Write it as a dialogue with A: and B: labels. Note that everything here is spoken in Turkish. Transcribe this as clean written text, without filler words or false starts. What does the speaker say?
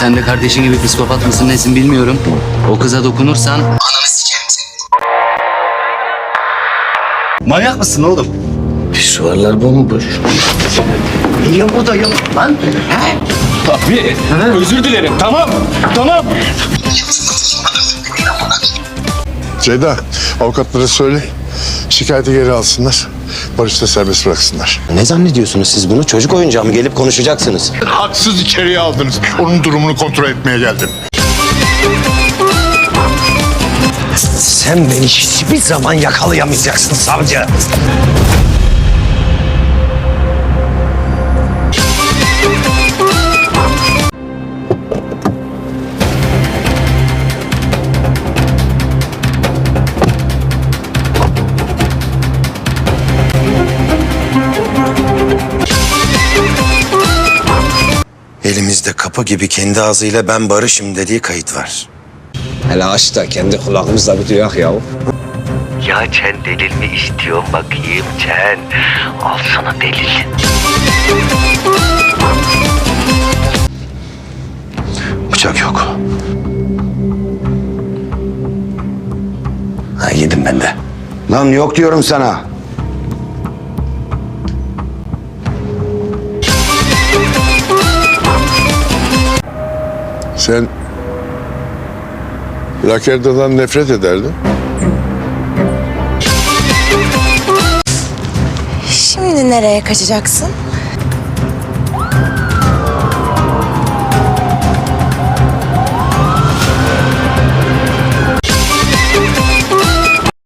A: sen de kardeşin gibi psikopat mısın nesin bilmiyorum. O kıza dokunursan ananı sikerim seni. Manyak mısın oğlum?
B: Pisuarlar bomboş.
A: Niye burada yok lan?
C: Abi özür dilerim, tamam.
D: Ceyda, avukatlara söyle. Şikayeti geri alsınlar. Barış'ta serbest bıraksınlar.
B: Ne zannediyorsunuz siz bunu? Çocuk oyuncağı mı? Gelip konuşacaksınız.
D: Haksız içeriye aldınız. Onun durumunu kontrol etmeye geldim.
B: Sen beni hiçbir zaman yakalayamayacaksın savcı. Elimizde kapı gibi kendi ağzıyla ben barışım dediği kayıt var.
E: Hele aç da kendi kulağımızla bir duyak ya.
F: Ya sen delil mi istiyorsun bakayım sen? Al sana delil.
B: Bıçak yok. Ha, yedim ben de. Lan yok diyorum sana.
D: Sen Lakerda'dan nefret ederdin.
G: Şimdi nereye kaçacaksın?